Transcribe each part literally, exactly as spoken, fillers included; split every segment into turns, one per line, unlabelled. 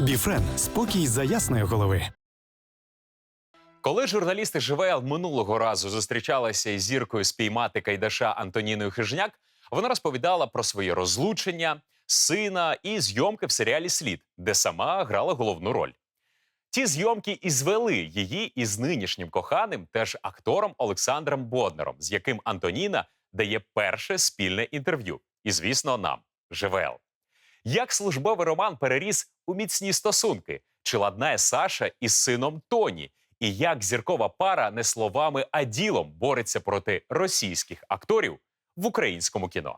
Біфрен – спокій за ясної голови.
Коли журналісти ЖВЛ минулого разу зустрічалися із зіркою спіймати Кайдаша Антоніною Хижняк, вона розповідала про свої розлучення, сина і зйомки в серіалі «Слід», де сама грала головну роль. Ті зйомки і звели її із нинішнім коханим, теж актором Олександром Боднаром, з яким Антоніна дає перше спільне інтерв'ю. І, звісно, нам – ЖВЛ. Як службовий роман переріс у міцні стосунки? Чи ладнає Саша із сином Тоні? І як зіркова пара не словами, а ділом бореться проти російських акторів в українському кіно?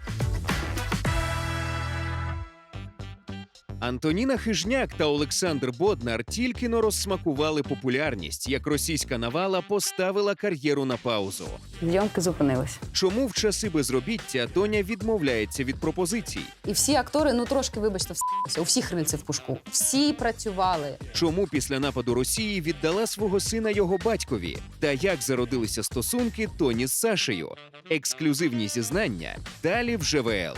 Антоніна Хижняк та Олександр Боднар тільки-но розсмакували популярність, як російська навала поставила кар'єру на паузу.
Зйомки зупинилися.
Чому в часи безробіття Тоня відмовляється від пропозицій?
І всі актори, ну трошки, вибачте, вс***ся. У всіх рильці в пушку. Всі працювали.
Чому після нападу Росії віддала свого сина його батькові? Та як зародилися стосунки Тоні з Сашею? Ексклюзивні зізнання далі в ЖВЛ.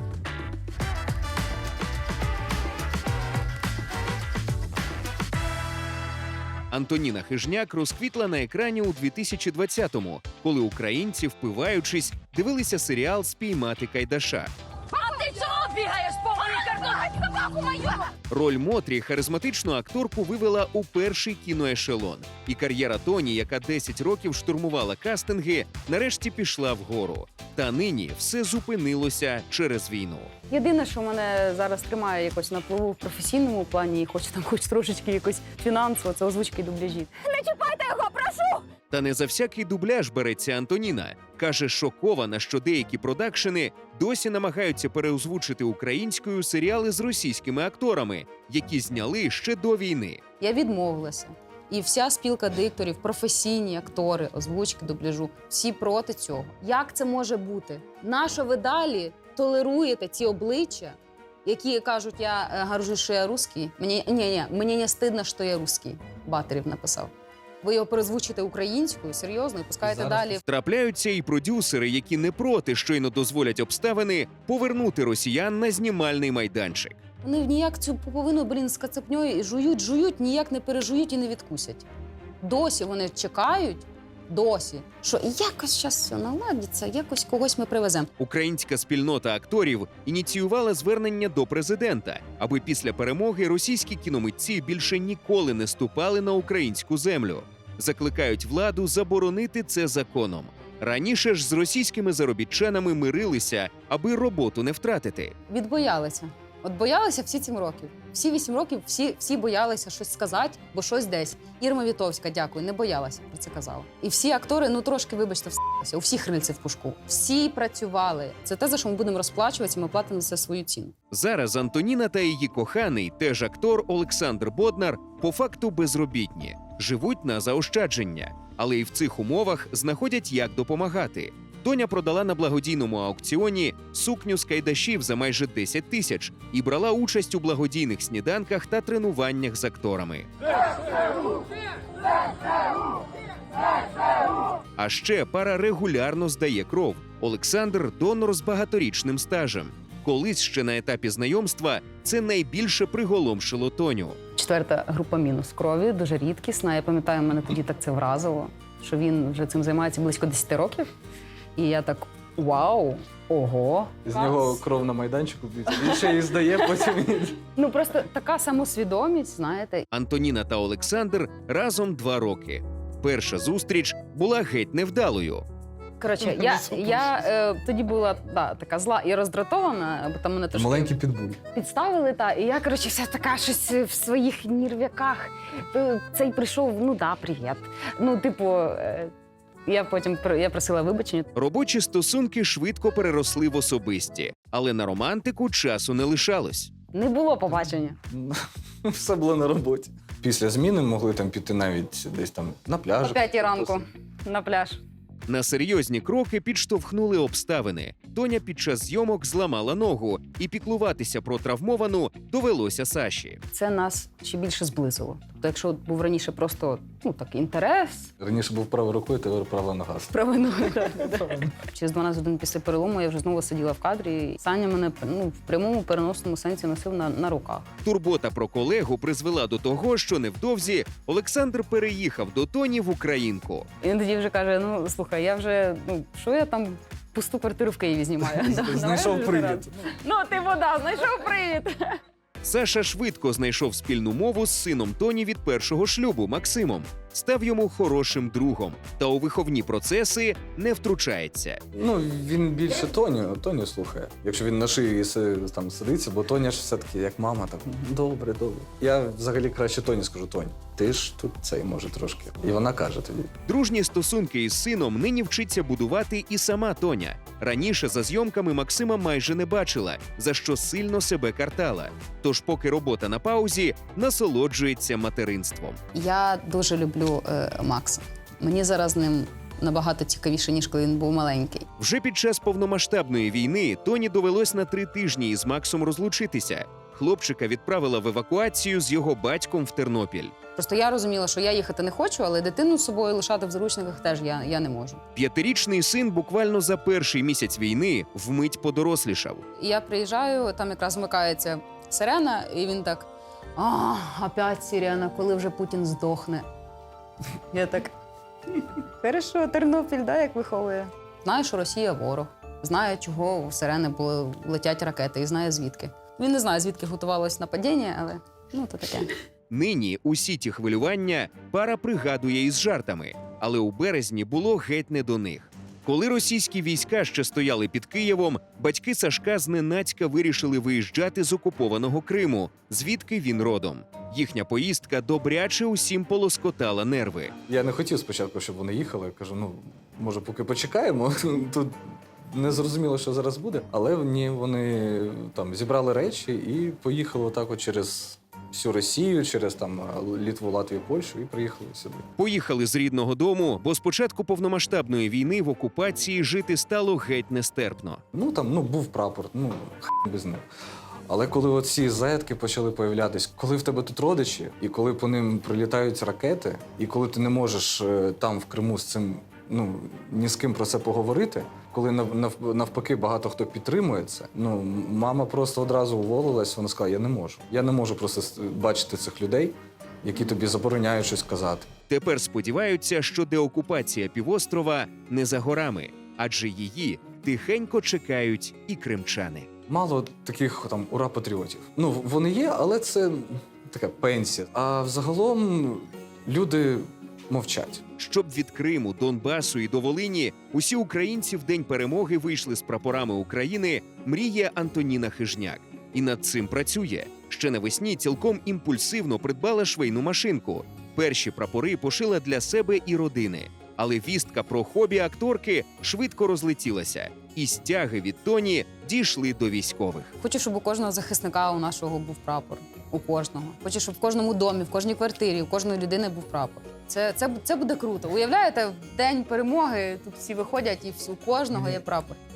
Антоніна Хижняк розквітла на екрані у дві тисячі двадцятому, коли українці, впиваючись, дивилися серіал «Спіймати Кайдаша».
А ти чого бігаєш, поганий картон? Собаку мою!
Роль Мотрі харизматичну акторку вивела у перший кіноешелон. І кар'єра Тоні, яка десять років штурмувала кастинги, нарешті пішла вгору. Та нині все зупинилося через війну.
Єдине, що мене зараз тримає якось на плаву в професійному плані, і хоч там хоч трошечки якось фінансово, це озвучки і дубляжі.
Не чіпайте його, прошу!
Та не за всякий дубляж береться Антоніна. Каже, шокована, що деякі продакшени досі намагаються переозвучити українською серіали з російськими акторами, які зняли ще до війни.
Я відмовилася. І вся спілка дикторів, професійні актори, озвучки, дубляжу, всі проти цього. Як це може бути? Нащо ви далі толеруєте ці обличчя, які кажуть, я е, горжусь, що я русський? Мені, ні, ні, мені не стидно, що я русський, Батарів написав. Ви його перезвучите українською, серйозно, і пускаєте
Зараз
далі.
Трапляються і продюсери, які не проти, щойно дозволять обставини повернути росіян на знімальний майданчик.
Вони ніяк цю пуповину, блін, з кацапньою і жують, жують, ніяк не пережують і не відкусять. Досі вони чекають, досі, що якось зараз все наладиться, якось когось ми привеземо.
Українська спільнота акторів ініціювала звернення до президента, аби після перемоги російські кіномитці більше ніколи не ступали на українську землю. Закликають владу заборонити це законом. Раніше ж з російськими заробітчанами мирилися, аби роботу не втратити.
Відбоялися. От боялися всі сім років. Всі вісім років всі, всі боялися щось сказати, бо щось десь. Ірма Вітовська, дякую, не боялася, про це казала. І всі актори, ну трошки, вибачте, вс***ся. У всіх рильці в пушку. Всі працювали. Це те, за що ми будемо розплачуватися, ми платимо за це свою ціну.
Зараз Антоніна та її коханий, теж актор Олександр Боднар, по факту безробітні. Живуть на заощадження. Але і в цих умовах знаходять, як допомагати. Тоня продала на благодійному аукціоні сукню з кайдашів за майже десять тисяч і брала участь у благодійних сніданках та тренуваннях з акторами. А ще пара регулярно здає кров. Олександр – донор з багаторічним стажем. Колись ще на етапі знайомства це найбільше приголомшило Тоню.
Четверта група мінус крові, дуже рідкісна. Я пам'ятаю, мене тоді так це вразило, що він вже цим займається близько десять років. І я так, вау, ого.
З нього кров на майданчику, він ще її здає, потім...
Ну просто така самосвідомість, знаєте.
Антоніна та Олександр разом два роки. Перша зустріч була геть невдалою.
Коротше, я, я е, тоді була да, така зла і роздратована, бо там мене трошки
Маленький підбуль.
підставили, та, і я, коротше, вся така щось в своїх нервяках. Е, Цей прийшов, ну да, привіт. Ну, типу, е, я потім я просила вибачення.
Робочі стосунки швидко переросли в особисті, але на романтику часу не лишалось.
Не було побачення.
Все було на роботі. Після зміни могли там піти навіть десь там на пляж.
О п'ятій ранку на пляж.
На серйозні кроки підштовхнули обставини. Тоня під час зйомок зламала ногу, і піклуватися про травмовану довелося Саші.
Це нас ще більше зблизило. Тобто, якщо був раніше просто ну так інтерес,
Раніше був правою рукою, тепер права нога.
правильно. Через дванадцять годин після перелому я вже знову сиділа в кадрі. Саня мене ну, в прямому переносному сенсі носив на, на руках.
Турбота про колегу призвела до того, що невдовзі Олександр переїхав до Тоні в Українку.
І він тоді вже каже: ну слухай, я вже ну що я там пусту квартиру в Києві знімаю. Да, давай
Знайшов
вже
привід.
зараз. Ну ти вода, знайшов привід.
Саша швидко знайшов спільну мову з сином Тоні від першого шлюбу Максимом, став йому хорошим другом та у виховні процеси не втручається.
Ну, він більше Тоню, Тоню слухає. Якщо він на шиї си- там сидиться, бо Тоня ж все-таки як мама, так добре, добре. Я взагалі краще Тоні скажу: Тонь, ти ж тут цей може трошки. І вона каже тоді.
Дружні стосунки із сином нині вчиться будувати і сама Тоня. Раніше за зйомками Максима майже не бачила, за що сильно себе картала. Тож, поки робота на паузі, насолоджується материнством.
Я дуже люблю е, Макса. Мені зараз з ним набагато цікавіше, ніж коли він був маленький.
Вже під час повномасштабної війни Тоні довелось на три тижні із Максом розлучитися. Хлопчика відправила в евакуацію з його батьком в Тернопіль.
Просто я розуміла, що я їхати не хочу, але дитину з собою лишати в заручниках теж я, я не можу.
П'ятирічний син буквально за перший місяць війни вмить подорослішав.
І я приїжджаю, там якраз вмикається сирена, і він так: а, опять сирена, коли вже Путін здохне. Я так, хорошо, Тернопіль, да, як виховує. Знаю, що Росія ворог, знає, чого у сирени були, летять ракети, і знає звідки. Він не знає, звідки готувалось нападіння, але ну то таке.
Нині усі ті хвилювання пара пригадує із жартами, але у березні було геть не до них. Коли російські війська ще стояли під Києвом, батьки Сашка зненацька вирішили виїжджати з окупованого Криму, звідки він родом. Їхня поїздка добряче усім полоскотала нерви.
Я не хотів спочатку, щоб вони їхали. Я кажу, ну, може, поки почекаємо. Тут не зрозуміло, що зараз буде. Але ні, вони там зібрали речі і поїхали отак от через всю Росію, через там Литву, Латвію, Польщу і приїхали сюди.
Поїхали з рідного дому, бо з початку повномасштабної війни в окупації жити стало геть нестерпно.
Ну там ну був прапор, ну х** без них. Але коли от ці заятки почали появлятись, коли в тебе тут родичі, і коли по ним прилітають ракети, і коли ти не можеш е, там в Криму з цим ну ні з ким про це поговорити, коли нав- нав- навпаки багато хто підтримує це, ну мама просто одразу уволилась, вона сказала: я не можу. Я не можу просто с- бачити цих людей, які тобі забороняють щось казати.
Тепер сподіваються, що деокупація півострова не за горами, адже її тихенько чекають і кримчани.
Мало таких там ура-патріотів. Ну, вони є, але це така пенсія. А взагалом люди мовчать.
Щоб від Криму, Донбасу і до Волині усі українці в День перемоги вийшли з прапорами України, мріє Антоніна Хижняк. І над цим працює. Ще навесні цілком імпульсивно придбала швейну машинку. Перші прапори пошила для себе і родини. Але вістка про хобі акторки швидко розлетілася. І стяги від Тоні дійшли до військових.
Хочу, щоб у кожного захисника у нашого був прапор. У кожного. Хочу, щоб в кожному домі, в кожній квартирі, у кожної людини був прапор. Це, це, це буде круто. Уявляєте, в день перемоги тут всі виходять і всі- у кожного є прапор.